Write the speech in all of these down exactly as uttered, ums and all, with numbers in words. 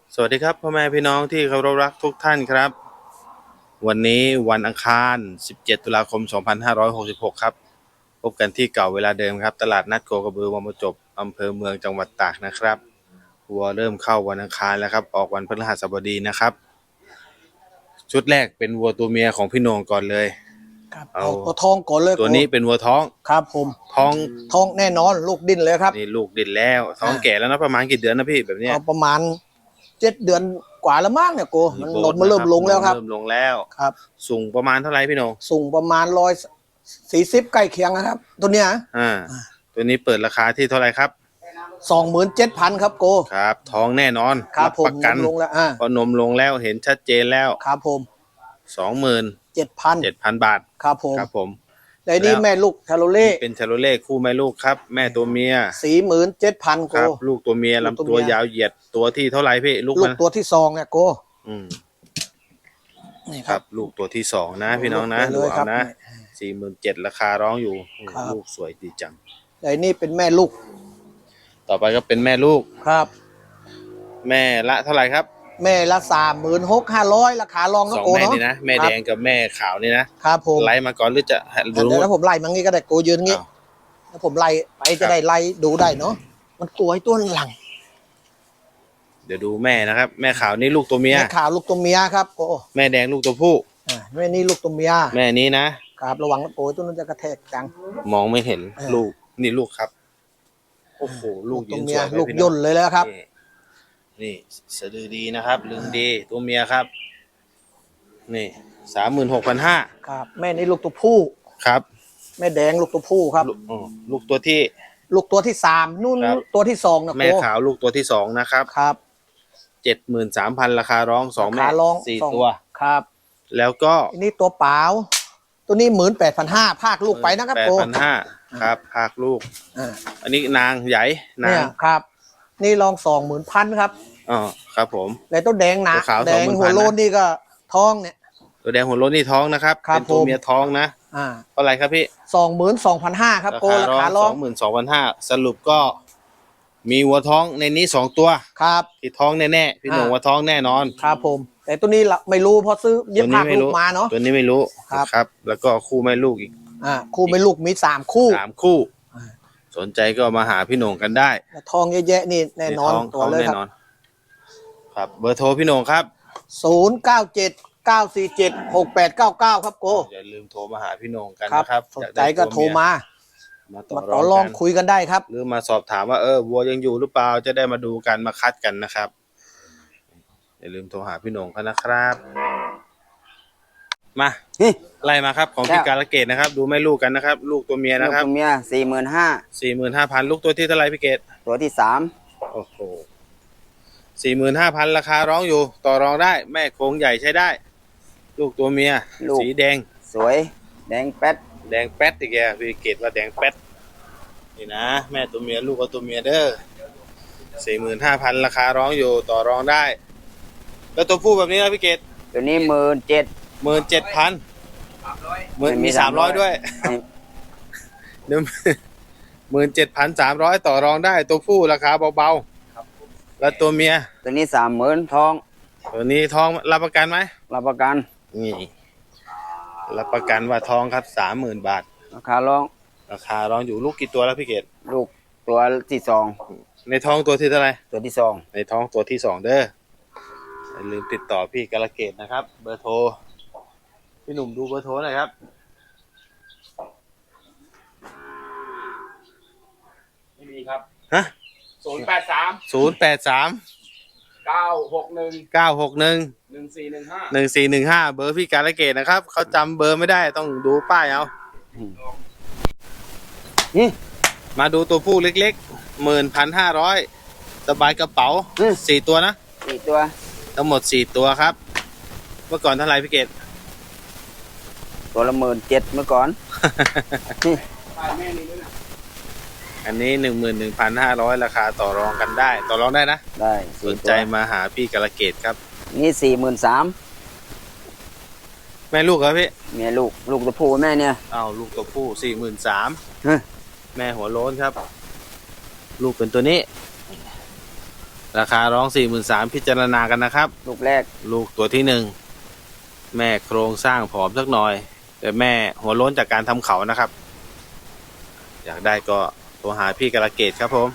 สวัสดีครับพ่อแม่พี่น้องที่เคารพรักทุกท่านครับวันนี้วันอังคารสิบเจ็ดตุลาคมสองพันห้าร้อยหกสิบหกครับพบกันที่เก่าเวลาเดิมครับตลาดนัดโคกระบือวังประจบอำเภอเมืองจังหวัดตากนะครับวัวเริ่มเข้าวันอังคารแล้วครับออกวันพฤหัสบดีนะครับชุดแรกเป็นวัวตัวเมียของพี่โหน่งก่อนเลยครับเอาตัวทองก่อนเลยตัวนี้เป็นวัวท้องครับผมท้องท้องแน่นอนลูกดิ้นเลยครับนี่ลูกดิ้นแล้วท้องแก่แล้วนะประมาณกี่เดือนนะพี่แบบนี้ประมาณเจ็ดเดือนกว่าแล้วมั้งเนี่ยโกมันนมมันเริ่มลงแล้วครับเริ่มลงแล้วครับสูงประมาณเท่าไหร่พี่โหน่งสูงประมาณร้อยสี่สิบใกล้เคียงนะครับตัวเนี้ยอ่าตัวนี้เปิดราคาที่เท่าไหร่ครับสองหมื่นเจ็ดพันครับโกครับท้องแน่นอนครับผมประกันลงแล้วอ่าพอนมลงแล้วเห็นชัดเจนแล้วครับผมสองหมื่นเจ็ดพันเจ็ดพันบาทครับผมครับผมในนี้แม่ลูกชาโลเล่เป็นชาโลเล่คู่แม่ลูกครับแม่ตัวเมียสี่หมื่นเจ็ดพันโกครับลูกตัวเมียลำตัวยาวเหยียดตัวที่เท่าไหร่พี่ลูกลูมันกตัวที่สองเนี่ยโกอืมนี่ครับลูกตัวที่สองนะพี่น้องนะดูเอานะสี่หมื่นเจ็ดราคาร้องอยู่ลูกสวยดีจังในนี้เป็นแม่ลูกต่อไปก็เป็นแม่ลูกครับแม่ละเท่าไหร่ครับแม่ละสามหมื่นหกห้าร้อยราคาลองนะสองโกแม่เนาะนี่นะแม่แดงกับแม่ขาวนี่นะครับผมไล่มาก่อนหรือจะเดี๋ยวถ้าผมไล่มังงี้ก็ได้โกยืนงี้ถ้าผมไล่ไปจะได้ไล่ดูได้เนาะมันตัวไอ้ตัวหลังเดี๋ยวดูแม่นะครับแม่ขาวนี่ลูกตัวเมียแม่ขาวลูกตัวเมียครับโกแม่แดงลูกตัวผู้แม่นี่ลูกตัวเมียแม่นี้นะครับระวังนะโกตัวนั้นจะกระแทกจังมองไม่เห็นลูกนี่ลูกครับโอ้โหลูกยืนสวยลูกย่นเลยแล้วครับนี่สะดือดีนะครับลึงดีตัวเมียครับนี่สามหมื่นหกพันห้าครับแม่นี่ลูกตัวผู้ครับแม่แดงลูกตัวผู้ครับลูกตัวที่ลูกตัวที่สามนู่นตัวที่สองนะแม่ขาวลูกตัวที่สองนะครับครับเจ็ดหมื่นสามพันราคาร้องสองแม่สี่ตัวครับแล้วก็นี่ตัวเปล่าตัวนี้หมื่นแปดพันห้าภาคลูกไปนะครับแปดพันห้าครับภาคลูกอันนี้นางใหญ่นางครับนี่ลองสองหมื่นพันครับอ๋อครับผมแล้วตัวแดงหนาแดงหัวโลนนี่ก็ท้องเนี่ยตัวแดงหัวโลนนี่ท้องนะครับเป็นตัวเมียท้องนะอ่าเท่าไหร่ครับพี่สองหมื่นสองพันห้าครับโกราคาลองสองหมื่นสองพันห้าสรุปก็มีวัวท้องในนี้สองตัวครับที่ท้องแน่ๆพี่หนุ่มวัวท้องแน่นอนครับผมแต่ตัวนี้ไม่รู้เพราะซื้อยึดภาคลูกมาเนาะตัวนี้ไม่รู้ครับแล้วก็คู่แม่ลูกอีกอ่าคู่แม่ลูกมีสามคู่สามคู่สนใจก็มาหาพี่หนุ่มกันได้ทองเยอะแยะนี่แน่นอนตัวเลยครับครับเบอร์โทรพี่หนุ่มครับศูนย์เก้าเจ็ดเก้าสี่เจ็ดหกแปดเก้าเก้าครับโกอย่าลืมโทรมาหาพี่หนุ่มกันนะครับสนใจก็โทรมามาต่อรองคุยกันได้ครับหรือมาสอบถามว่าเออวัวยังอยู่หรือเปล่าจะได้มาดูกันมาคัดกันนะครับอย่าลืมโทรหาพี่หนุ่มกันนะครับมาไล่มาครับของพี่การะเกดนะครับดูแม่ลูกกันนะครับลูกตัวเมียนะครับตัวเมียสี่หมื่นห้าสี่หมื่นห้าพันลูกตัวที่เท่าไรพี่เกดตัวที่สามโอ้โหสี่หมื่นห้าพันราคาร้องอยู่ต่อรองได้แม่โครงใหญ่ใช้ได้ลูกตัวเมียสีแดงสวยแดงแป๊ดแดงแป๊ดอีกแกพี่เกดว่าแดงแป๊ดนี่นะแม่ตัวเมียลูกก็ตัวเมียเด้อสี่หมื่นห้าพันราคาร้องอยู่ต่อรองได้แล้วตัวผู้แบบนี้นะพี่เกดตัวนี้หมื่นเจ็ดหมื่นเจ็ดพันหมื่นมีสามร้อยด้วยหนึ่งหมื่นเจ็ดพันสามร้อยต่อรองได้ตัวผู้ราคาเบาๆแล้วตัวเมียตัวนี้สามหมื่นทองตัวนี้ทองรับประกันไหมรับประกันนี่รับประกันว่าทองครับสามหมื่นบาทราคาร้องราคาร้องอยู่ลูกกี่ตัวแล้วพี่เกดลูกตัวที่สองในท้องตัวที่เท่าไหร่ตัวที่สองในท้องตัวที่สองเด้ออย่าลืมติดต่อพี่กาลเกตนะครับเบอร์โทรพี่หนุ่มดูเบอร์โทรหน่อยครับไม่มีครับฮะศูนย์แปดสามศูนย์แปดสามเก้าหกหนึ่งเก้าหกหนึ่งหนึ่งสี่หนึ่งห้าหนึ่งสี่หนึ่งห้าเบอร์พี่กาลเกตนะครับเขาจำเบอร์ไม่ได้ต้องดูป้ายเอามาดูตัวผู้เล็กๆหมื่นพันห้าร้อยสบายกระเป๋าสี่ตัวนะสี่ตัวทั้งหมดสี่ตัวครับเมื่อก่อนเท่าไหร่พี่เกดตัวละหมื่นเจ็ดเมื่อก่อนอันนี้หนึ่งหมื่นหนึ่งพันห้าร้อยราคาต่อรองกันได้ต่อรองได้นะได้สนใจมาหาพี่กาลเกตครับนี่สี่หมื่นสามแม่ลูกครับพี่แม่ลูกลูกตัวผู้แม่เนี่ยอ้าวลูกตัวผู้สี่หมื่นสามแม่หัวโล้นครับลูกเป็นตัวนี้ราคาร้องสี่หมื่นสามพิจารณากันนะครับลูกแรกลูกตัวที่หนึ่งแม่โครงสร้างผอมสักหน่อย แต่แม่หัวโล้นจากการทำเขานะครับ อยากได้ก็โทรหาพี่กระเกตครับผม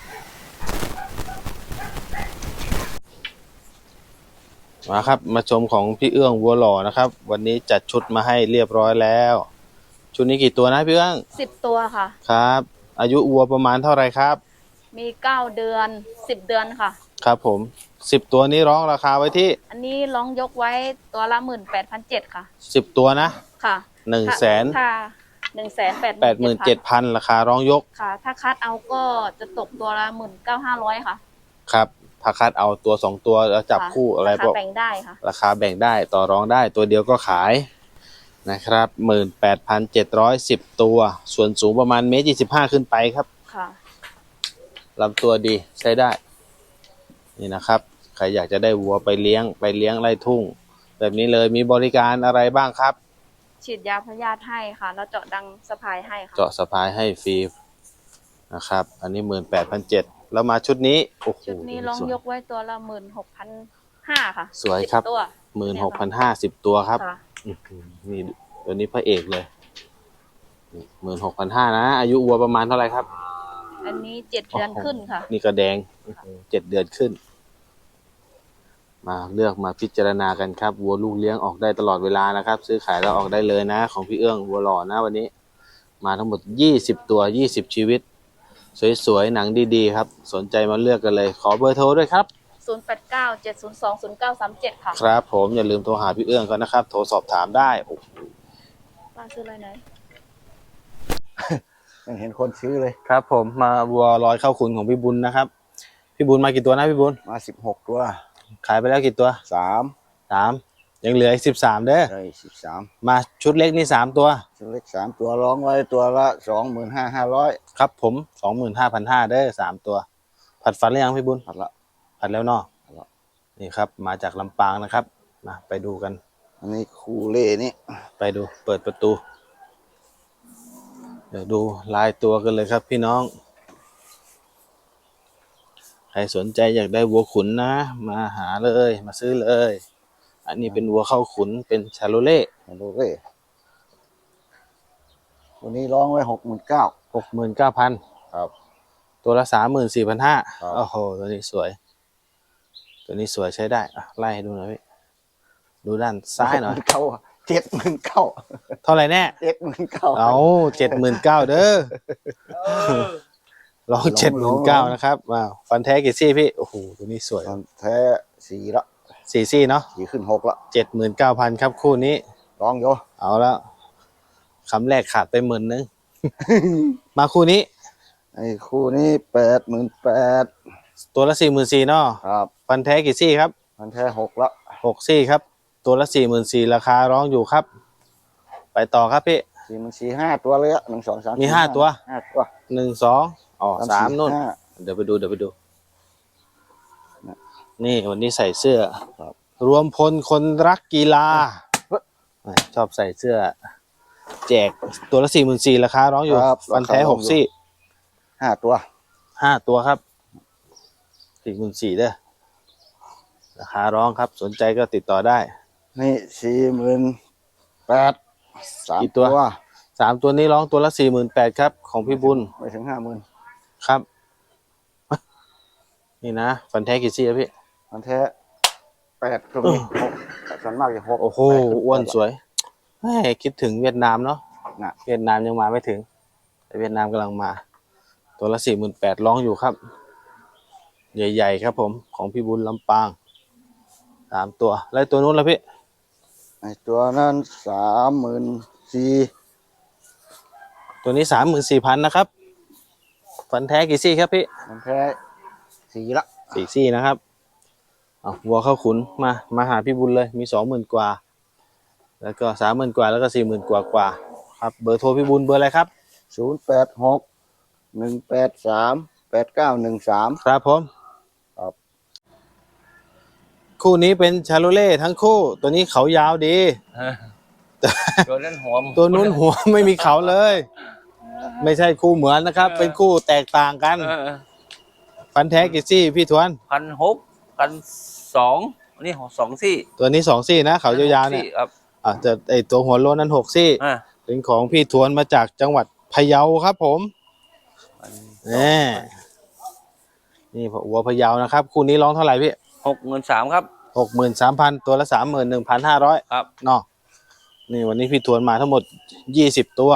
มาครับมาชมของพี่เอื้องวัวหล่อนะครับ วันนี้จัดชุดมาให้เรียบร้อยแล้ว ชุดนี้กี่ตัวนะพี่เอื้องสิบตัวค่ะครับ อายุวัวประมาณเท่าไหร่ครับมีเก้าเดือนสิบเดือนค่ะครับผมสิบตัวนี้ร้องราคาไว้ที่อันนี้ร้องยกไว้ตัวละหมื่นแปดพันเจ็ดค่ะสิบตัวนะค่ะหนึ่งแสนค่ะหนึ่งแสนแปดแปดหมื่นเจ็ดพันราคาร้องยกค่ะ ถ้าคัดเอาก็จะตกตัวละหมื่นเก้าห้าร้อยค่ะครับถ้าคัดเอาตัวสองตัวแล้วจับค่ะคู่อะไรราพวคาก แบ่งได้ค่ะราคาแบ่งได้ต่อรองได้ตัวเดียวก็ขายนะครับหมื่นแปดพันเจ็ดร้อยสิบตัว ส่วนสูงประมาณเมตรยี่สิบห้าขึ้นไปครับค่ะลำตัวดีใช้ได้ นี่นะครับใครอยากจะได้วัวไปเลี้ยงไปเลี้ยงไร่ทุ่ง แบบนี้เลยมีบริการอะไรบ้างครับฉีดยาพยาธิให้ค่ะ แล้วเจาะดังสะพายให้ค่ะเจาะสะพายให้ฟรีนะครับ อันนี้หมื่นแปดพันเจ็ดแล้วมาชุดนี้โอ้โหชุดนี้ร้องสวยยกไว้ตัวละหมื่นหกพันห้าค่ะสวยครับสิตัวหมื่นหกพันห้าสิบตัวครับค่ะอื้อหือนี่ตัวนี้พระเอกเลยหมื่นหกพันห้านะ อายุวัวประมาณเท่าไหร่ครับอันนี้เจ็ดเดือนขึ้นค่ะนี่ก็แดงเจ็ดเดือนขึ้น มาเลือกมาพิจารณากันครับวัวลูกเลี้ยงออกได้ตลอดเวลานะครับ ซื้อขายแล้วออกได้เลยนะ ของพี่เอื้องวัวหล่อนะวันนี้ มาทั้งหมดยี่สิบตัวยี่สิบชีวิต สวยๆหนังดีๆครับ สนใจมาเลือกกันเลย ขอเบอร์โทรด้วยครับศูนย์ แปด เก้า เจ็ด ศูนย์ สอง ศูนย์ เก้า สาม เจ็ดค่ะครับ ผมอย่าลืมโทรหาพี่เอื้องเขานะครับ โทรสอบถามได้โอ้โหป้าซื้ออะไรไหนยังเห็นคนซื้อเลยครับ ผมมาวัวลอยเข้าขุนของพี่บุญนะครับ พี่บุญมากี่ตัวนะพี่บุญมาสิบหกตัวขายไปแล้วกี่ตัวสามสามยังเหลืออีกสิบสามเด้อเลยสิบสามมาชุดเล็กนี่สามตัวชุดเล็กสามตัวร้องไว้ตัวละสองหมื่นห้าห้าร้อยครับผมสองหมื่นห้าพันห้าเด้อสามตัว ผัดฟันหรือยังพี่บุญผัดละผัดแล้วเนาะผัดแล้วนี่ครับ มาจากลำปางนะครับมาไปดูกันอันนี้คูเล่นี่ไปดูเปิดประตู เดี๋ยวดูลายตัวกันเลยครับพี่น้อง ใครสนใจอยากได้วัวขุนนะ มาหาเลยมาซื้อเลย อันนี้เป็นวัวเข้าขุนเป็นชาโลเล่ดูเล่ตัวนี้ร้องไว้หกหมื่นเก้าหกหมื่นเก้าพันครับตัวละสามหมื่นสี่พันห้าครับโอ้โหตัวนี้สวย ตัวนี้สวยใช้ได้อ่ะไล่ให้ดูหน่อยพี่ดูด้านซ้ายหน่อยเก้าเจ็ดหมื่นเก้าเท่าไหร่แน่เจ็ดหมื่นเก้าเอาเจ็ดหมื่นเก้าเด้อลองเจ็ดหมื่นเก้านะครับว้าวฟันแท้กี่ซี่พี่โอ้โหตัวนี้สวยแท้สี่ละสี่ซี่เนาะสี่ขึ้นหกละเจ็ดหมื่นเก้าพันครับคู่นี้ร้องโยเอาแล้วคำแรกขาดไปหมื่นนึง มาคู่นี้ไอ้คู่นี้แปดหมื่นแปดตัวละสี่หมื่นสี่เนาะครับฟันแท้กี่ซี่ครับมันแท้หกละหกซี่ครับ ตัวละสี่หมื่นสี่ราคาร้องอยู่ครับ ไปต่อครับพี่สี่มันสี่ห้าตัวเลยอะหนึ่งสองสามมีห้าตัวห้าตัวหนึ่งสองอ๋อสามสี่นู่นห้าเดี๋ยวไปดูเดี๋ยวไปดูนะนี่วันนี้ใส่เสื้อครับรวมพลคนรักกีฬาชอบใส่เสื้อ แจกตัวละสี่หมื่นสี่ราคาร้องอยู่ครับฟันแท้ราคาร้หองกอยู่ซี่ห้าตัวห้าตัวครับสี่หมื่นสี่เด้อราคาร้องครับ สนใจก็ติดต่อได้นี่สี่หมื่นแปดสามกี่ตัวตัวสามตัวนี้ร้องตัวละสี่หมื่นแปดครับ ของพี่บุญไม่ถึงห้าหมื่นครับ นี่นะฟันแท้กี่ซี่ครับพี่มันแท้แปดตัวนี้หกส่วนมากจะหกโอ้โหแปดถึงอ้วนแปดสวยแหม่คิดถึงเวียดนามเนาะน่ะเวียดนามยังมาไม่ถึง แต่เวียดนามกำลังมา ตัวละสี่หมื่นแปดร้องอยู่ครับ ใหญ่ๆครับผม ของพี่บุญลำปางสามตัว แล้วตัวนู้นล่ะพี่ไอ้ตัวนั้นสามหมื่นสี่ตัวนี้สามหมื่นสี่พันนะครับ ฟันแท้กี่ซี่ครับพี่มันแท้สี่ละสี่ซี่นะครับเอาวัวเข้าขุนมา มาหาพี่บุญเลย มีสองหมื่นกว่า แล้วก็สามหมื่นกว่า แล้วก็สี่หมื่นกว่ากว่าครับ เบอร์โทรพี่บุญเบอร์อะไรครับศูนย์แปดหกหนึ่งแปดสามแปดเก้าหนึ่งสามครับผมครับคู่นี้เป็นชาโลเล่ทั้งคู่ ตัวนี้เขายาวดีตัวนั้นหัวตัวนู้นหัว ไม่มีเขาเลย ไม่ใช่คู่เหมือนนะครับ เป็นคู่แตกต่างกันฟันแท้กี่ซี่พี่ทวนพันหกพันสองอันนี้สองซี่ตัวนี้สองซี่นะเขายาวๆเนี่ยครับอ่ะแต่ไอตัวหัวโลนนั้นหกซี่อ่าเป็นของพี่ทวนมาจากจังหวัดพะเยาครับผมนี่นี่วัวพะเยานะครับคู่นี้ร้องเท่าไหร่พี่หกหมื่นสามครับหกหมื่นสามพันตัวละสามหมื่นหนึ่งพันห้าร้อยครับเนาะนี่วันนี้พี่ทวนมาทั้งหมดยี่สิบตัว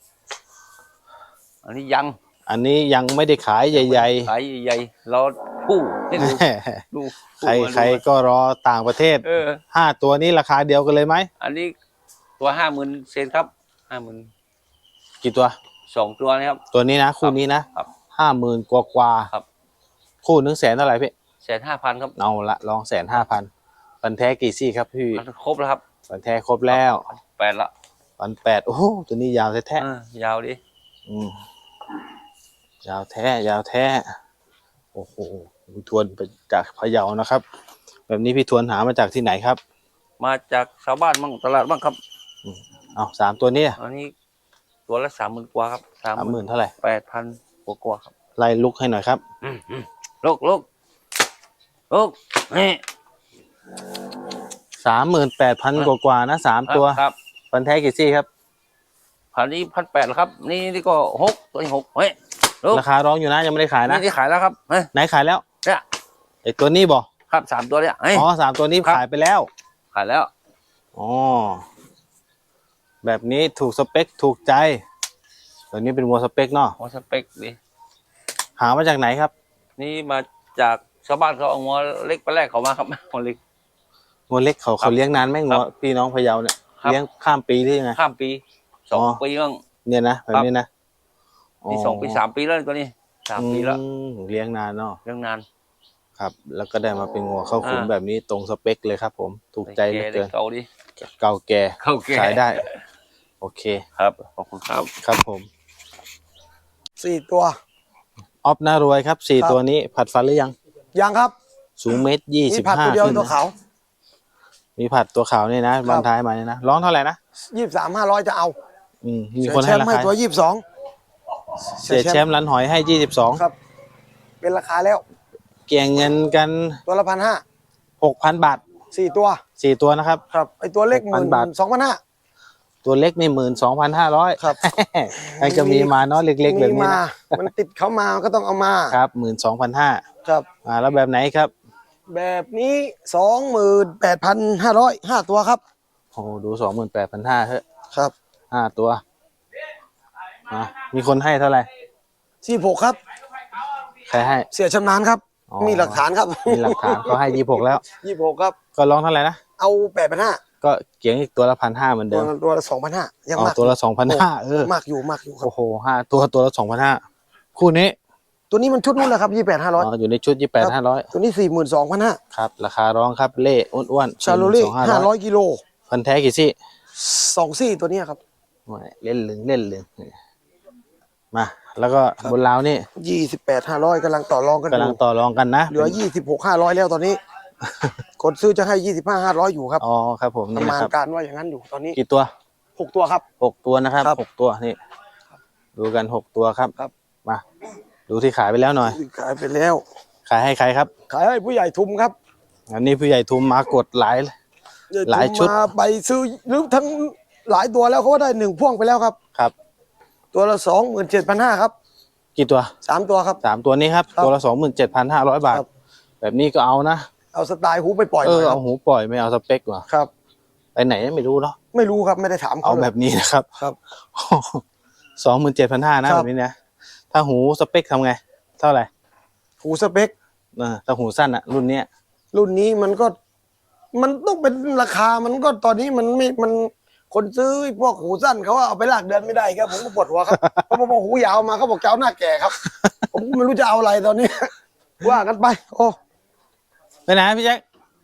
อันนี้ยังอันนี้ยังไม่ได้ขายใหญ่ขายใหญ่ๆรอผู้ให้ดูๆดูใครใครก็รอต่างประเทศเออห้าตัวนี้ราคาเดียวกันเลยไหมอันนี้ตัวห้าหมื่นเซนครับห้าหมื่นกี่ตัวสองตัวนะครับตัวนี้นะคู่นี้นะครับ ห้าหมื่นกว่ากว่าครับคู่หนึ่งแสนเท่าไหร่พี่แสนห้าพันครับเอาละลองแสนห้าพันฟันแท้กี่ซี่ครับพี่ครบแล้วครับฟันแท้ครบแล้วแปดละฟันแปดโอ้โหตัวนี้ยาวแท้เออยาวดิๆอืมยาวแท้ยาวแท้โอ้โหพี่ทวนไปจากพะเยานะครับ แบบนี้พี่ทวนหามาจากที่ไหนครับมาจากชาวบ้านบ้างตลาดบ้างครับเอาสามตัวนี้อันนี้ตัวละสามหมื่นกว่าครับสามสามหหมื่มื่นนเท่าไหร่แปดพันกว่ากว่าครับไล่ลุกให้หน่อยครับลูกลูกลูกนี่สามหมื่นแปดพันกว่าๆนะสามตัวครับฟันแท้กี่ซี่ครับพันนี้พันแปดแล้วครับ นี่นี่ก็หกตัวนี้หกเฮ้ยลูกราคาร้องอยู่นะยังไม่ได้ขายนะนี่ที่ขายแล้วครับเฮ้ยไหนขายแล้วเนี่ยไอตัวนี้บอกครับสามตัวเนี่ยเฮ้ยอ๋อสามตัวนี้ครับขายไปแล้วขายแล้วอ๋อแบบนี้ถูกสเปคถูกใจตัวนี้เป็นวัวสเปคเนาะหัวสเปกดิหามาจากไหนครับนี่มาจากชาวบ้านเขาเอางัวเล็กไปแรกเขามาครับงัวเล็กงัวเล็กเขาครัเขาบเลี้ยงนานไหมคงัรัวบพี่น้องพะเยาเนี่ยครับเลี้ยงข้ามปีหรือยังไงข้ามปีสองอ๋อปีบ้างเนี่ยนะแบบนี้นะนี่สองปีสามปีแล้วตัวนี้สามปีแล้วอืมเลี้ยงนานเนาะเรื่องนานครับ แล้วก็ได้มาเป็นงัวเข้าขุนอ่าแบบนี้ตรงสเปคเลยครับ ผมถูกใจเหลือเด็เกิกนเก่าดิเก่าแก่เข้าแก่ขายได้ โอเคครับขอบคุณครับครับผมสี่ตัวออฟน่ารวยครับสี่ครับตัวนี้ผัดฟันหรือยังยังครับสูงเมตรยี่มีสิบผัดห้าตัวเดียวขึ้นตัวนะขาวมีผัดตัวขาวนี่นะบางท้ายมาเนี่ยนะร้องเท่าไหร่นะยี่สิบสามห้าร้อยจะเอาอืมมีคนให้เสียราแชมป์ให้คาตัวยี่สิบสองเสียแชมป์ร้านหอยให้ยี่สิบสองครับ เป็นราคาแล้วเกี่ยงเงินกันตัวละพันห้าหกพันบาทสี่ตัวสี่ตัวนะครับครับไอตัวเล็กหหกพัมื่นนบาทสองพันห้าตัวเล็กนี่หมื่นสองพันห้าร้อยครับไอ้ก็มีมาเนาะเล็กๆแบบนี้มีมานะมันติดเขามาก็ต้องเอามาครับหมื่นสองพันห้าครับอ่าแล้วแบบไหนครับแบบนี้สองหมื่นแปดพันห้าร้อยห้าตัวครับโอ้โหดูสองหมื่นแปดพันห้าเฮ้ยครับห้าตัวอ่ะมีคนให้เท่าไหร่สี่หกครับใครให้เสียชำนาญครับอ๋อมีหลักฐานครับมีหลักฐานเขาให้ยี่หกแล้วยี่หกครับก็ร้องเท่าไหร่นะเอาแปดพันห้าก็เกี่ยงอีกตัวละพันห้าเหมือนตัเดิวมตัวละสองพันห้ายังอ๋อมากตัวละสองพันห้าเออมากอยู่มากอยู่ครับโอ้โหห้าตัวตัวละสองพันห้าคู่นี้ตัวนี้มันชุดนู้นแหละครับยี่แปดห้าร้อยอ๋ออยู่ในชุดยี่แปดห้าร้อยตัวนี้สี่หมื่นสองพันห้าครับ ราคาร้องครับเล่อ้วนๆชาโลเล่ห้าร้อย 4,200 กิโลพันแท้กี่ซี่สองซี่ตัวเนี้ยครับไม่เล่นลึงเล่นลึงมาแล้วก็บนราวนี่ยี่สิบแปดห้าร้อยกำลังต่อรองกันอกำลังยู่ต่อรองกันนะเหลือยี่สิบหกห้าร้อยแล้วตอนนี้ คนซื้อจะให้ยี่สิบห้าห้าร้อยอยู่ครับอ๋อครับผมปนี่ระมานะณครับการว่าอย่างนั้นอยู่ตอนนี้กี่ตัวหกตัวครับหกตัวนะครับครับหกตัวนี่ดูกันหกตัวครับครับมาดูที่ขายไปแล้วหน่อยขายไปแล้วขายให้ใครครับขายให้ผู้ใหญ่ทุมครับอันนี้ผู้ใหญ่ทุมมากดหลาย หลายชุดมาไปซื้อหรือทั้งหลายตัวแล้วเขาก็ได้หนึ่งพ่วงไปแล้วครับครับตัวละสองหมื่นเจ็ดพันห้าครับกี่ตัวสามตัวครับสามตัวนี้ครับครับตัวละสองหมื่นเจ็ดพันห้าร้อยบาทครับแบบนี้ก็เอานะเอาสไตล์หูไปปล่อยเอหน่ออยครัเอาบหูปล่อยไม่เอาสเปกว่ะครับไปไหนไม่รู้เนาะไม่รู้ครับไม่ได้ถามเอาเขาลยแบบนี้นะครับครับสองหมื่นเจ็ดพันห้านะครัแบบ บนี้นะถ้าหูสเปคทำไง เท่าไหร่หูสเปคเออถ้าหูสั้นอะรุ่นเนี้ยรุ่นนี้มันก็ มันต้องเป็นราคามันก็ตอนนี้มันไม่มันคนซื้อพวกหูสั้นเขาเอาไปลากเดือนไม่ได้ครับผมก็ปวดหัวครับ เพราะพอหูยาวมาเขาบอกเจ้าหน้าแก่ครับ ผมก็ไม่รู้จะเอาอะไรตอนนี้ ว่ากันไป โอ้ไปไหนพี่แจ็ค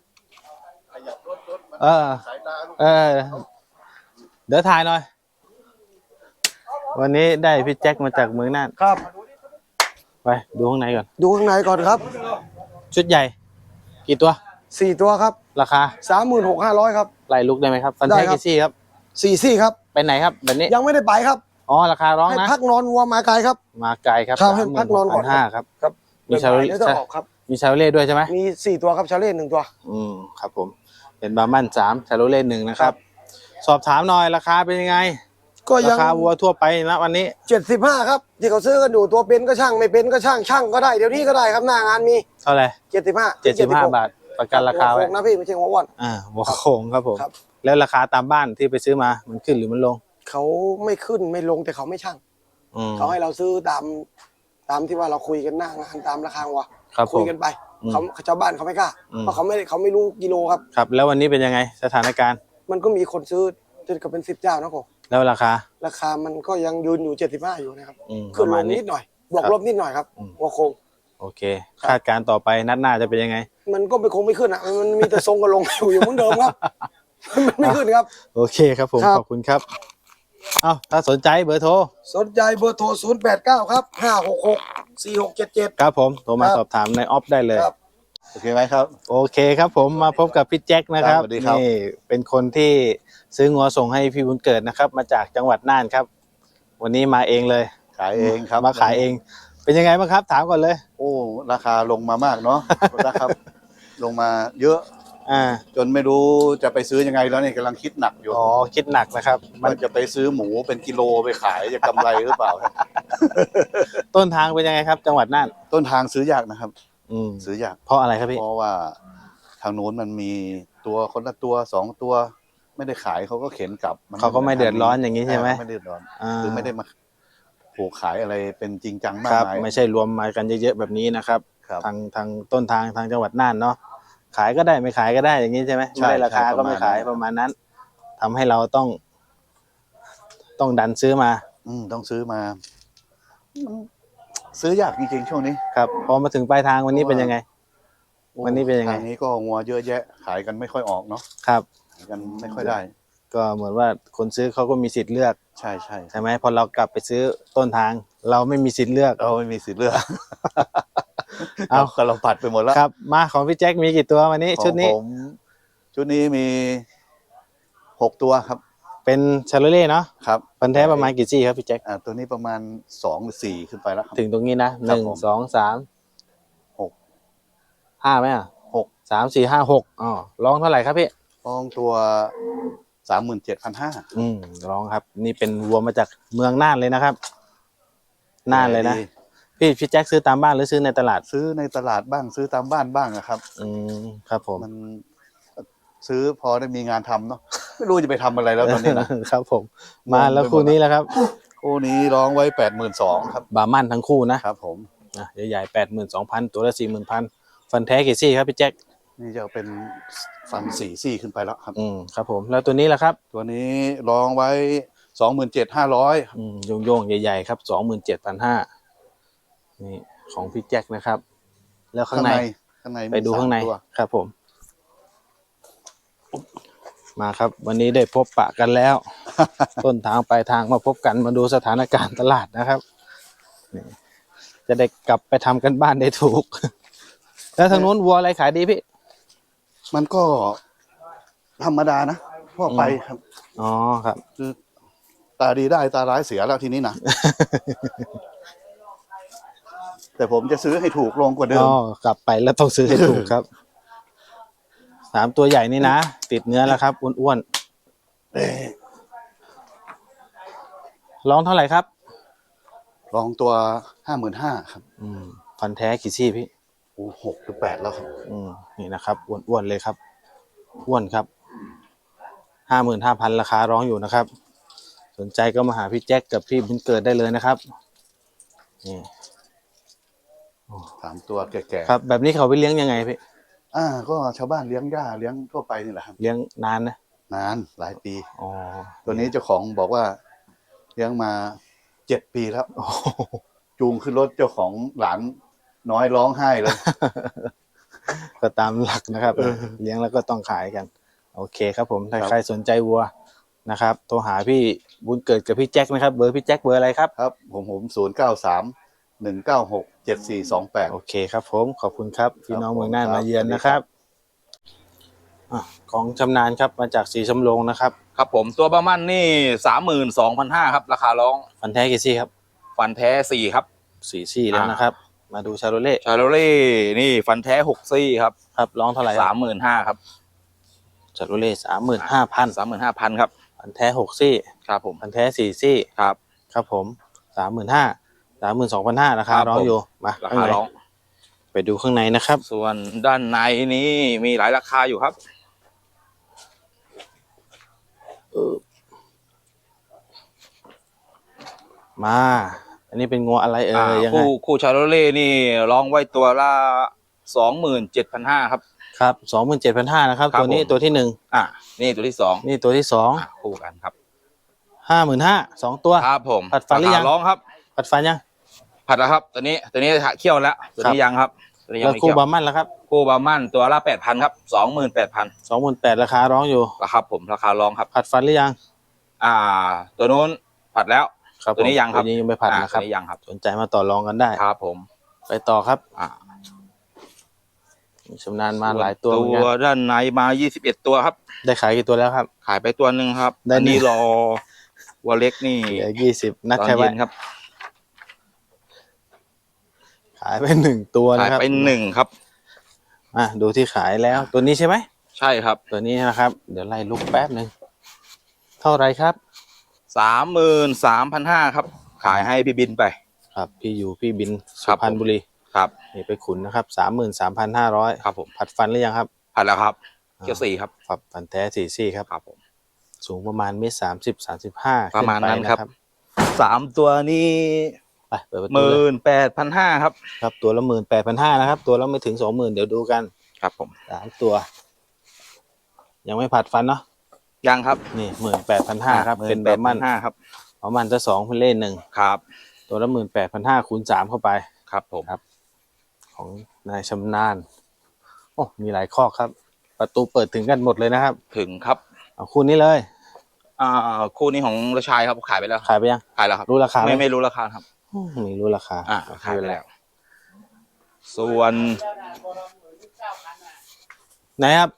เออเออเดี๋ยวถ่ายหน่อย วันนี้ได้พี่แจ็คมาจากเมืองน่านครับไปดูข้างในก่อนดูข้างในก่อนครับชุดใหญ่ กี่ตัวสี่ตัวครับราคาสามหมื่นหกห้าร้อยครับไล่ลุกได้ไหมครับ ฟันได้แท้ครับกี่ซี่ครับสี่ซี่ครับไปไหนครับแบบนี้ยังไม่ได้ไปครับอ๋อราคาร้องให้นะพักนอนวัวมาไกลครับมาไกลครับครับให้พักนอนก่อนห้าครับครับมีชาโลบ่ายๆเล่เดี๋ยวจะออกครับมีชาโลเล่ด้วยใช่ไหมมีสี่ตัวครับชาเล่หนึ่งตัวอืมครับผมเป็นบาร์มันสามชาโลเล่หนึ่งนะครับ สอบถามหน่อยราคาเป็นยังไงก็รายังคาวัวทั่วไปนะวันนี้เจ็ดสิบห้าครับที่เขาซื้อกันอยู่ตัวเป็นก็ช่างไม่เป็นก็ช่างช่างก็ได้เดี๋ยวนี้ก็ได้ครับหน้างานมีเท่าไหร่เจ็ดสิบห้าเจ็ดสิบห้าบาทประกันราคาไว้นะพี่ไม่ใช่หัวอ้วนอ่าหัวโค้งครับผมครับแล้วราคาตามบ้านที่ไปซื้อมามันขึ้นหรือมันลงเขาไม่ขึ้นไม่ลงแต่เขาไม่ช่างอืมเขาให้เราซื้อตามตามที่ว่าเราคุยกันหน้างานตามราคาวัวครับผมคุยกันไปอืมเขาชาวบ้านเขาไม่กล้าอืมเพราะเขาไม่เขาไม่รู้กิโลครับครับแล้ววันนี้เป็นยังไงสถานการณ์มันก็มีคนซื้อจนกับเป็นสิบเจ้านะผมแล้วราคาราคามันก็ยังยืนอยู่เจ็ดสิบห้าอยู่นะครับอืมปขึ้นระลมาณงนี้นิดหน่อยบวกครับลบนิดหน่อยครับอืมหัวโค้งโอเค คาดการณ์ต่อไปนัดหน้าจะเป็นยังไงมันก็ไม่คงไม่ขึ้นอ่ะมันมีแต่ทรงกับลงอยู่อย่างเหมือนเดิมครับ มันไม่ขึ้นครับโอเคครับผมครับขอบคุณครับเอ้าถ้าสนใจเบอร์โทรสนใจเบอร์โทรศูนย์แปดเก้าครับห้าหกหกสี่หกเจ็ดเจ็ดครับผมโทรมาครับสอบถามในออฟได้เลยครับโอเคไหมครับโอเคครับผมมาพบกับพี่แจ็คนะครับครับสวัสดีครับนี่เป็นคนที่ซื้องัวส่งให้พี่บุญเกิดนะครับ มาจากจังหวัดน่านครับ วันนี้มาเองเลยขายเองครับมาขายเอง เป็นยังไงบ้างครับ ถามก่อนเลยโอ้ราคาลงมามากเนาะ นะครับ ลงมาเยอะอ่าจนไม่รู้จะไปซื้อยังไงแล้วเนี่ยกำลังคิดหนักอยู่อ๋อคิดหนักนะครับ มันว่าจะไปซื้อหมูเป็นกิโลไปขายจะกำไรหรือเปล่าต้นทางเป็นยังไงครับ จังหวัดน่านต้นทางซื้อยากนะครับอืมซื้อยากเพราะอะไรครับพี่เพราะว่าทางโน้นมันมีตัวคนละตัวสองตัว ไม่ได้ขายเขาก็เข็นกลับนเขาก็ไม่เดือดร้อนอย่างนี้ใช่ไหมไม่เดือดร้อนอ่าคือไม่ได้มาผูกขายอะไรเป็นจริงจังมาคกรับมายไม่ใช่รวมมากันเยอะๆแบบนี้นะครับครับทางทางต้นทางทางจังหวัดน่านเนาะขายก็ได้ไม่ขายก็ได้อย่างนี้ใช่ไหมใช่ไม่ได้ราคาใช่ก็ไม่ขายปประ ระมามาณณนั้นั้น นทำให้เราต้อง ต้องดันซื้อมาอืมต้องซื้อมามันซื้อยากจริงๆช่วงนี้ครับพอมาถึงปลายทางวันนี้เป็นยังไงโอ้วันนี้เป็นยังไงทางนี้ก็งัวเยอะแยะ ขายกันไม่ค่อยออกเนาะครับขายกันไม่ค่อยได้ก็เหมือนว่าคนซื้อเขาก็มีสิทธิ์เลือกใช่ใช่ใช่ไหมพอเรากลับไปซื้อต้นทาง เราไม่มีสิทธิ์เลือกเราไม่มีสิทธิ์เลือกเอาก็เราผัดไปหมดแล้วครับ มาของพี่แจ็คมีกี่ตัววันนี้ของชุดนี้ผมชุดนี้มีหกตัวครับเป็นชาโลเล่เนาะครับพันธุ์แท้ประมาณกี่ซี่ครับพี่แจ็คอ่าตัวนี้ประมาณสองหรือสี่ขึ้นไปแล้วครับถึงตรงนี้นะหครับนึ่งผมสองสามหกห้าไหมอ่ะหกสามสี่ห้าหกอ๋อร้องเท่าไหร่ครับพี่ฟองตัวสามหมื่นเจ็ดพันห้าอืมร้องครับ นี่เป็นวัวมาจากเมืองน่านเลยนะครับน่านเลยนะพี่พี่แจ็คซื้อตามบ้านหรือซื้อในตลาดซื้อในตลาดบ้างซื้อตามบ้านบ้างอะครับอืมครับผมมันซื้อพอได้มีงานทำเนาะไม่รู้จะไปทำอะไรแล้วตอนนี้นะครับผม มาแล้วคู่นี้แล้วครับคู่นี้ร้องไว้แปดหมื่นสองครับบาร์มันทั้งคู่นะครับผมอ่ะใหญ่ๆแปดหมื่นสองพันตัวละสี่หมื่นพันฟันแท้กี่ซี่ครับพี่แจ็คนี่จะเป็นฟันสี่ซี่ขึ้นไปแล้วครับอืมครับผมแล้วตัวนี้ล่ะครับตัวนี้ร้องไว้สองหมื่นเจ็ดห้าร้อยอืมโยงๆใหญ่ๆครับสองหมื่นเจ็ดพันห้านี่ของพี่แจ็คนะครับ แล้วข้างในข้างในไปดูข้างในมีสมตัวครับผม มาครับ วันนี้ได้พบปะกันแล้ว ต้นทางปลายทางมาพบกันมาดูสถานการณ์ตลาดนะครับนี่จะได้กลับไปทำกันบ้านได้ถูก แล้วทางนู้นวัวอะไรขายดีพี่มันก็ธรรมดานะพ่อไปครับอ๋อครับคือตาดีได้ตาร้ายเสียแล้วทีนี้นะ แต่ผมจะซื้อให้ถูกลงกว่าเดิอ๋มอกลับไปแล้วต้องซื้อให้ถูกครับสามตัวใหญ่นี่นะติดเนื้อแล้วครับอ้วนๆร้องเท่าไหร่ครับลองตัวห้าหมื่นห้าครับอืมพันธุ์แท้กี่ซี่พี่โอ้หกหรือแปดแล้วครับอืมนี่นะครับอ้วนๆเลยครับอ้วนครับห้าหมื่นห้าพันราคาร้องอยู่นะครับ สนใจก็มาหาพี่แจ็คกับพี่บุญเกิดได้เลยนะครับนี่สามตัวแก่ครับ แบบนี้เขาไปเลี้ยงยังไงพี่ๆอ่า ก็ชาวบ้านเลี้ยงหญ้าเลี้ยงทั่วไปนี่แหละครับเลี้ยงนานนะนานหลายปีอ๋อตัวนี้เจ้าของบอกว่าเลี้ยงมาเจ็ดปีแล้วโอ้โหจูงขึ้นรถเจ้าของหลานน้อยร้องไห้เลยก็ตามหลักนะครับเออเลี้ยงแล้วก็ต้องขายกัน โอเคครับผมถ้าครับใครสนใจวัวนะครับโทรหาพี่บุญเกิดกับพี่แจ็คนะครับเบอร์พี่แจ็คเบอร์อะไรครับครับ ผมผมศูนย์เก้าสามหนึ่งเก้าหกเจ็ดสี่สองแปดโอเคครับผมขอบคุณครับพี่น้องครับเมืองน่านผมครับมาเยือนสวัสดีนะคครัรับบ อ่ะของชำนาญครับมาจากสีสำโรงนะครับครับผมตัวประมันนี่สามหมื่นสองพันห้าครับ ราคาร้องฟันแท้กี่ซี่ครับฟันแท้สี่ครับสี่ซี่แล้วนะครับมาดูชาโรเล่ชาโรเล่นี่ฟันแท้หกซี่ครับครับร้องเท่าไหร่สามหมื่นห้าครับชาโรเล่สามหมื่นห้าพันสามหมื่นห้าพันครับพันแท้หกซี่ครับผมพันแท้สี่ซี่ครับครับผมสามหมื่นห้าสามหมื่นสองพันห้าราคาครับร้องผมอยู่มาราข้างคาในร้องไปดูข้างในนะครับส่วนด้านในนี้มีหลายราคาอยู่ครับมา อันนี้เป็นงัวอะไรเอ่อ่ายยังไงคู่คู่ชาโรเล่นี่ร้องไว้ตัวละสองหมื่นเจ็ดพันห้าครับครับสองหมื่นเจ็ดพันห้านะครับครับตัวนี้ผมตัวที่หนึ่งอ่ะนี่ตัวที่สองนี่ตัวที่สองอ่ะคู่กันครับห้าหมื่นห้าสองตัวครับผมผัดฟันหรือยังราคาร้องครับผัดฟันยังผัดแล้วครับ ตัวนี้ตัวนี้เคี่ยวแล้วตัวครับนี้ยังครับตัวนี้ยังแล้วไม่คู่เคี่ยวบาร์มันแล้วครับคู่บาร์มันตัวละแปดพันครับสองหมื่นแปดพันสองหมื่นแปดราคาร้องอยู่ราคาผมราคาร้องครับผัดฟันหรือยังอ่า ตัวนู้นผัดแล้วครับตัวนี้ผมยังครับตัวนี้ยังไม่ผัดอ่านะครับตัวนี้ยังครับสนใจมาต่อรองกันได้ครับผมไปต่อครับอ่าชำนาญมาหลายตัวเหมือนตักันวด้านในมายี่สิบเอ็ดตัวครับได้ขายกี่ตัวแล้วครับขายไปตัวหนึ่งครับได้อันนี้หนึ่งรอวัวเล็กนี่เหลือยี่สิบนัดตอนแค่ไว้เย็นครับขายไปหนึ่งตัวขายนะครับไปหนึ่งครับอ่ะดูที่ขายแล้วตัวนี้ใช่ไหมใช่ครับตัวนี้นะครับ เดี๋ยวไล่ลุกแป๊บหนึ่งเท่าไรครับสามหมื่นสามพันห้าครับ ขายให้พี่บินไปครับพี่อยู่พี่บินคสุรับพรรณบุรีครับนี่ไปขุนนะครับสามหมื่นสามพันห้าร้อยครับผมผัดฟันหรือยังครับผัดแล้วครับเกี๊ยวสี่ครับฝับฟันแท้สี่ซี่ครับครับผมสูงประมาณเมตรสามสิบสามสิบห้าประมาณนั้นครับ สามตัวนี้ไปเปิดประหตูเลมื่ยนแปดพันห้าครับครับตัวละหมื่นแปดพันห้านะครับ ตัวละไม่ถึงสองหมื่นเดี๋ยวดูกันครับผมสามตัว ยังไม่ผัดฟันเนาะยังครับนี่หมื่นแปดพันห้าครับเป็นแบบมันห้าครับประมาณจะสองเป็นเล่นหนึ่งครับตัวละหมื่นแปดพันห้าคูณสามเข้าไปครับผมครับ ของนายชำนาญโอ้มีหลายข้อครับ ประตูเปิดถึงกันหมดเลยนะครับถึงครับเอาคู่นี้เลยอ่าคู่นี้ของรชายครับขายไปแล้วขายไปยังขายแล้วครับรู้ราคาไหมไม่ไม่รู้ราคาครับอืมไม่รู้ราคาอ่าไม่ขายเป็ไปนไรแล้ว ส่วนไหนครับ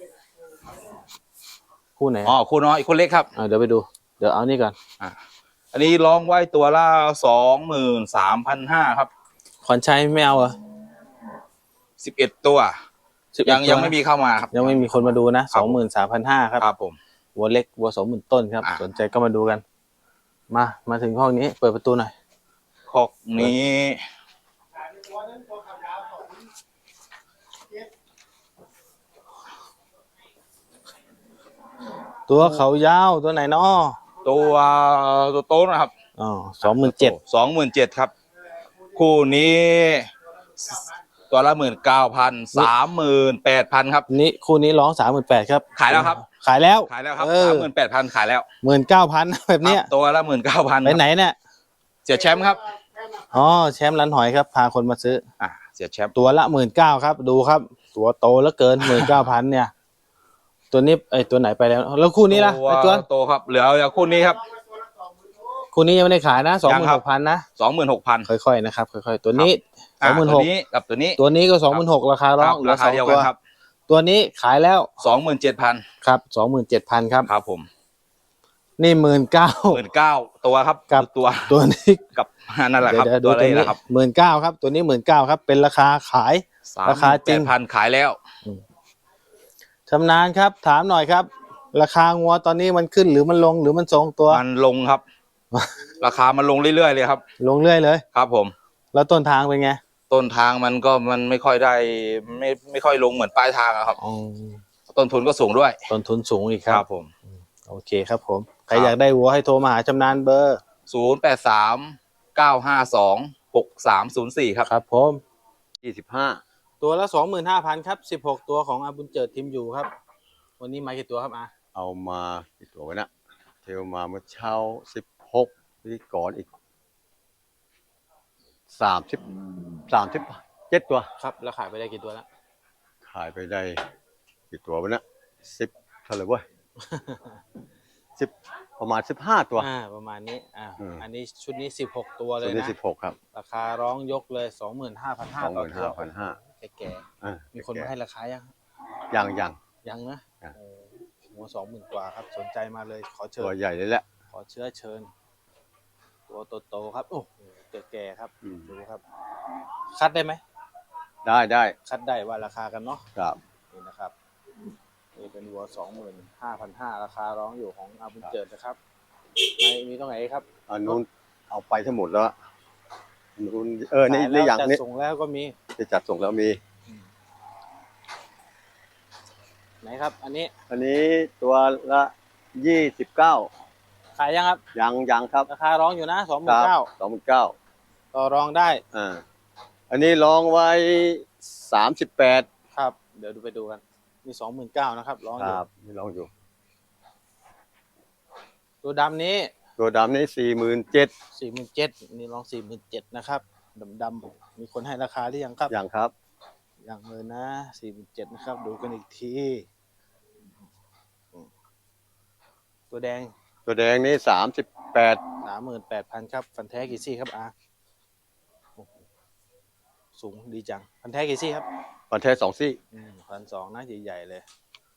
คู่ไหนอ๋อคู่น้อยคู่เล็กครับอ่าเดี๋ยวไปดู เดี๋ยวเอานี่ก่อนอ่าอันนี้ร้องไว้ตัวละสองหมื่นสามพันห้าครับขอนชัยไม่เอาเหรอสิบเอ็ดตัวสิบเอ็ดยังตัวยังไม่มีเข้ามาครับยังไม่มีคนมาดูนะครัสบองหมื่นสามพันห้าครับครับผมวัวเล็กวัวสองหมื่นต้นครับอ่ะสนใจก็มาดูกัน มา มาถึงห้องนี้ เปิดประตูหน่อยคอกนี้ตัวเขายาวตัวไหนเนาะตัวตัวโตนะครับอ๋อสองหมื่นเจ็ดสองหมื่นเจ็ดครับ คู่นี้ ตัวละหมื่นเก้าพันสามหมื่นแปดพันครับนี่คู่นี้ร้องสามหมื่นแปดครับขายแล้วครับขายแล้วขายแล้วครับเอสาอมหมื่นแปดพันขายแล้วหมื่นเก้าพันแบบเนี้ยครับตัวละหมื่นเก้าพันไปไหนเนี่ยเสียแชมป์ครับอ๋อแชมป์ร้านหอยครับ พาคนมาซื้ออ่าเสียแชมป์ตัวละหมื่นเก้าครับ ดูครับ ตัวโตแล้วเกินหมื่นเก้าพันเนี่ย ตัวนี้ไอยตัวไหนไปแล้ว แล้วคู่นี้ล่ะไอตัวโตครับเหลือเหลือคู่นี้ครับคู่นี้ยังไม่ได้ขายนะสองยัหมื่งนครัหบกพันนะสองหมื่นหกพันค่อยๆนะครับ ค่อยๆ ตัวนี้สอ่าองหมื่นหตัวกนี้กับตัวนี้ตัวนี้ก็สองหมื่นหกราคาร้องครับเหลือราสคาองเดียวตักัวนครับตัวนี้ขายแล้วสองหมื่นเจ็ดพันครับสองหมื่นเจ็ดพันครับครับผมนี่หมื่นเก้าหมื่นเก้าตัวครับกับตัวตัวนี้กับนั่นแหละครับเดี๋ยวๆดูตัวตัวนี้นี้นะครับหมื่นเก้าครับ ตัวนี้หมื่นเก้าครับ เป็นราคาขาย ราคาจริงพันขายแล้วชำนาญครับ ถามหน่อยครับ ราคางัวตอนนี้มันขึ้นหรือมันลงหรือมันทรงตัวมันลงครับ ราคามันลงเรื่อยๆเลยครับลงเรื่อยเลยครับผมแล้วต้นทางเป็นไงต้นทางมันก็มันไม่ค่อยได้ไม่ไม่ค่อยลงเหมือนปลายทางอะครับอ๋อต้นทุนก็สูงด้วยต้นทุนสูงอีกคครัรับ บผมโอเคครับผม ใครครับอยากได้วัวให้โทรมาหาชำนาญเบอร์ศูนย์แปดสามเก้าห้าสองหกสามศูนย์สี่ครับครับผมยี่สิบห้าตัวละสองหมื่นห้าพันครับสิบหกตัวของอาบุญเจิดทีมอยู่ครับ วันนี้มากี่ตัวครับอาเอามากี่ตัววะเนะเทลมาเมื่อเช้าสิบหกพิธีกรอีกสามสิบสามสิบเจ็ดตัวครับแล้วขายไปได้กี่ตัวแล้วขายไปได้กี่ตัววะเนะสิบเท่าไหร่เว้ย สิบประมาณสิบห้าตัวอ่าประมาณนี้อ่าอืมอันนี้ชุดนี้สิบหกตัวเลตัวย นี้นะสิบหกครับราคาร้องยกเลยสองหมื่นห้าพันห้าสองหต่อมื่นตัวห้าพันห้าแก่อ่าๆมีคนมาให้ราคายังยังยังยังนะอ่ะโอ้หัวสองหมื่นกว่าครับ สนใจมาเลยขอเชิตัวญใหญ่เลยแหละขอเชื้อเชิญตัวโตๆครับโอ้โหแก่ๆครับอืมดูครับ คัดได้ไหมได้ได้คัดได้ว่าราคากันเนาะครับนี่นะครับนี่เป็นวัวสองหมื่นห้าพันห้าราคาร้องอยู่ของอาบุญเจิดนะครับไม่มีตรงไหนครับอันนู้นเอาไปทั้งหมดแล้วอันนู้นเออนี่ขายนี่แล้วอย่างจัดนี้ส่งแล้วก็มีที่จัดส่งแล้วมีไหนครับ อันนี้อันนี้ตัวละยี่สิบเก้าขายยังครับยังยังครับราคาร้องอยู่นะสองหคมื่นรัเก้าสองหมื่นเก้าต่อรองได้อ่าอันนี้ลองไว้สามสิบแปดครับ เดี๋ยวดูไปดูกันมีสองหมื่นเก้านะครับร้องคอยู่รับนี่ลองอยู่ตัวดำนี้ตัวดำนี้สี่หมื่นเจ็ดสี่หมื่นเจ็ดนี่ร้องสี่หมื่นเจ็ดนะครับดำดำๆมีคนให้ราคาหรือยังครับอย่างครับยังเลยนะสี่หมื่นเจ็ดนะครับ ดูกันอีกทีตัวแดงตัวแดงนี้สามสิบแปดสามหมื่นแปดพันครับ ฟันแท้กี่ซี่ครับอาโอ้โหสูงดีจัง ฟันแท้กี่ซี่ครับปันแท้สองซี่พันสองนะใหญ่ๆเลย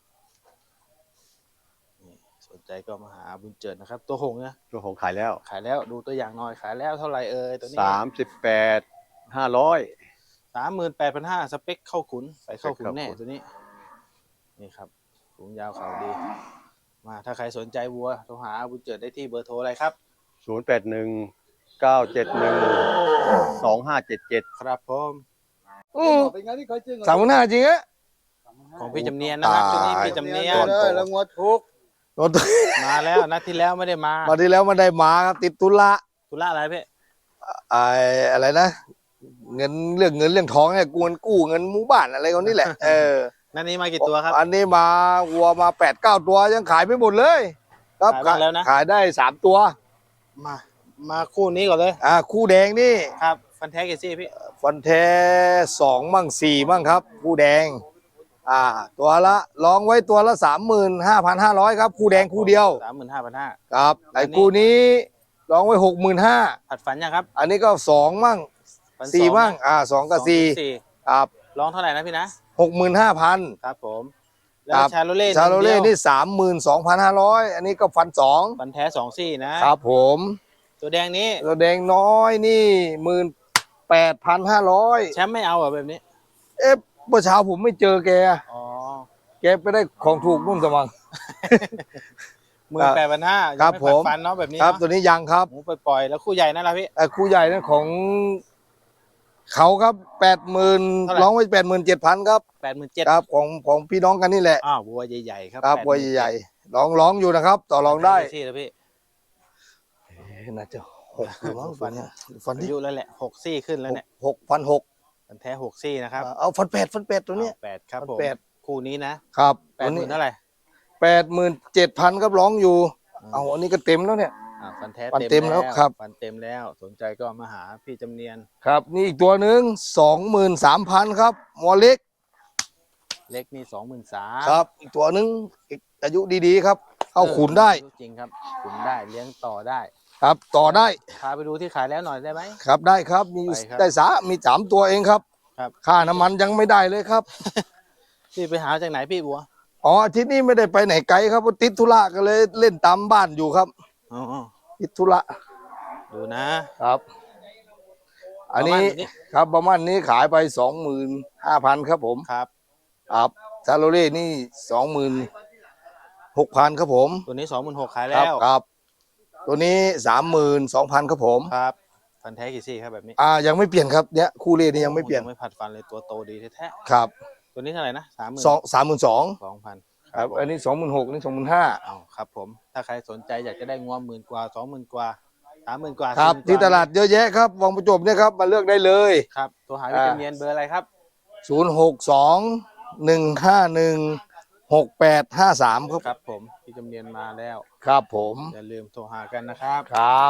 นี่สนใจก็มาหาบุญเจิดนะครับ ตัวหงส์นะตัวของขายแล้วขายแล้วดูตัวอย่างหน่อยขายแล้วเท่าไหร่เอ่ยตัวนี้สามสิบแปดห้าร้อยสามหมื่นแปดพันห้าสเปคเข้าขุนใส่เข้าขุนแน่เข้าขุนตัวนี้ นี่ครับสูงยาวเขาดี มาถ้าใครสนใจวัวโทรหาบุญเจิดได้ที่เบอร์โทรอะไรครับศูนย์แปดหนึ่งเก้าเจ็ดหนึ่งสองห้าเจ็ดเจ็ดครับผมอืมสามหมื่นห้าจริงอะของพี่จำเนียนนะครับชุดนี้พี่จำเนียนแล้วงวดทุกรถมาแล้วนัดที่แล้วไม่ได้มามาที่แล้วมันได้มาครับติดตุละธุระอะไรพี่ไอ้อะไรนะ เงินเรื่องเงินเรื่องทองเนี่ยกูเงินกู้เงินหมู่บ้านอะไรคนนี้แหละ เออนัดนี้มากี่ตัวครับอันนี้มาวัวมาแปดเก้าตัวยังขายไม่หมดเลย ครับขายบ้างแล้วนะขายได้สามตัวมา มาคู่นี้ก่อนเลยอ่าคู่แดงนี่ครับ ฟันแท้กี่ซี่พี่ฟันแท้สองมั่งสี่มั่งครับ คู่แดง อ่า ตัวละลองไว้ตัวละสามหมื่นห้าพันห้าร้อยครับ คู่แดงคู่เดียวสามหมื่นห้าพันห้าครับไอ้อันนี้คู่นี้ลองไว้หกหมื่นห้าผัดฝันยังครับอันนี้ก็สองมั่งฝันสี่องมั่ง อ่าสองกับสี่สี่ครับร้องเท่าไหร่นะพี่นะหกหมื่นห้าพันครับผม แล้วครับชาโลเล่ชาโลเล่หงดียวนี่สามหมื่นสองพันห้าร้อยอันนี้ก็ฟันสองฟันแท้สองซี่นะครับผมตัวแดงนี้ตัวแดงน้อยนี่หมื่นแปดพันห้าร้อยแชมป์ไม่เอาเหรอแบบนี้เอ๊ะเมื่อเช้าผมไม่เจอแกอ๋อแกไปได้ของถูกนุ่นสมังหมื่นแปดพันห้าครับไม่ผผัดมฟันเนาะแบบนี้ครับเนาะตัวนี้ยังครับหมูปล่อยๆแล้วคู่ใหญ่นั่นแหละพี่ไอ้คู่ใหญ่นั้นของเขาครับแปดหมื่นเท่าไหร่ร้องไว้แปดหมื่นเจ็ดพันครับแปดหมื่นเจ็ดครับของของพี่น้องกันนี่แหละอ้าววัวใหญ่ๆครับครับแปดหวัวมื่นใหญ่ๆร้องร้องอยู่นะครับ ต่อรองได้ที่แล้วพี่เอ๊ะน่าจะหกหรือมั้งฟันเนี่ยฟันอาที่ยุแล้วแหละหกซี่ขึ้นแล้วเนี่ยหกพันหกฟันแท้หกซี่นะครับเอาฟันแปดฟันแปดตัวเนี้ยแปดครับผมแปดคู่นี้นะครับ แปตัดวหนี้มื่นเท่าไหร่แปดหมื่นเจ็ดพันครับร้องอยู่ เอาอันนี้ก็เต็มแล้วเนี่ยอ่าฟันแท้ฟันเต็มแล้วครับฟันเต็มแล้วสนใจก็มาหาพี่จำเนียนครับนี่อีกตัวหนึ่งสองหมื่นสามพันครับหมอเล็กเล็กนี่สองหมื่นสามครับ อีกตัวหนึ่งอีกอายุดีๆครับ เข้าขุนได้จริงครับขุนได้เลี้ยงต่อได้ครับ ต่อได้พาไปดูที่ขายแล้วหน่อยได้ไหมครับได้ครับมีอยู่ไปครับได้สามีสามตัวเองครับครับค่าน้ำมันยังไม่ได้เลยครับพี่ไปหาจากไหนพี่บัวอ๋ออาทิตย์นี้ไม่ได้ไปไหนไกลครับเพราะติดธุระก็เลยเล่นตามบ้านอยู่ครับอ๋อติดธุระดูนะครับ อันนี้ประมาณนี้ครับประมาณนี้ขายไปสองหมื่นห้าพันครับผมครับครับซาโรเล่นี่สองหมื่นหกพันครับผมตัวนี้สองหมื่นหกขายคแล้รับวครับ ตัวนี้สามหมื่นสองพันครับผมครับฟันแท้กี่ซี่ครับแบบนี้อ่ายังไม่เปลี่ยนครับเนี่ยคู่เล่นี่ยังไม่เปลี่ยนไม่ผัดฟันเลยตัวโตดีแท้ครับๆตัวนี้เท่าไหร่นะสามหมื่นสองสามหมื่นสองสองพันครับอันนี้สองหมื่นหกนี่สองหมื่นห้าเอาครับผม ถ้าใครสนใจอยากจะได้งวหมื่นกว่าสองหมื่นกว่าสามหมื่นกว่าครับสี่หมื่นกว่ที่ตลาดเยอะแยะครับวังประจบเนี่ยครับมาเลือกได้เลยครับตัวหาวิตามินเบอร์อะไรครับศูนย์หกสองหนึ่งห้าหนึ่งหกแปดห้าสามครับครับผมพี่จำเนียนมาแล้วครับผมอย่าลืมโทรหากันนะครับครับ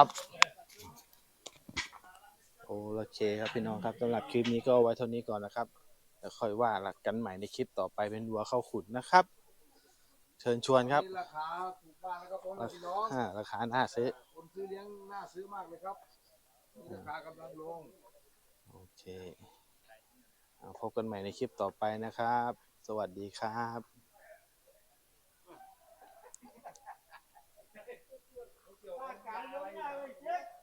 โอเคครับพี่น้องครับสำหรับคลิปนี้ก็ไว้เท่านี้ก่อนนะครับแล้วค่อยว่ากันใหม่ในคลิปต่อไปเป็นวัวเข้าขุนนะครับ เชิญชวนครับราคาถูกบ้านแล้วก็พร้อมพี่น้องอ่าราคาน่าซื้อคนซื้อเลี้ยงน่าซื้อมากเลยครับราคากำลังลงโอเคเอาพบกันใหม่ในคลิปต่อไปนะครับ สวัสดีครับ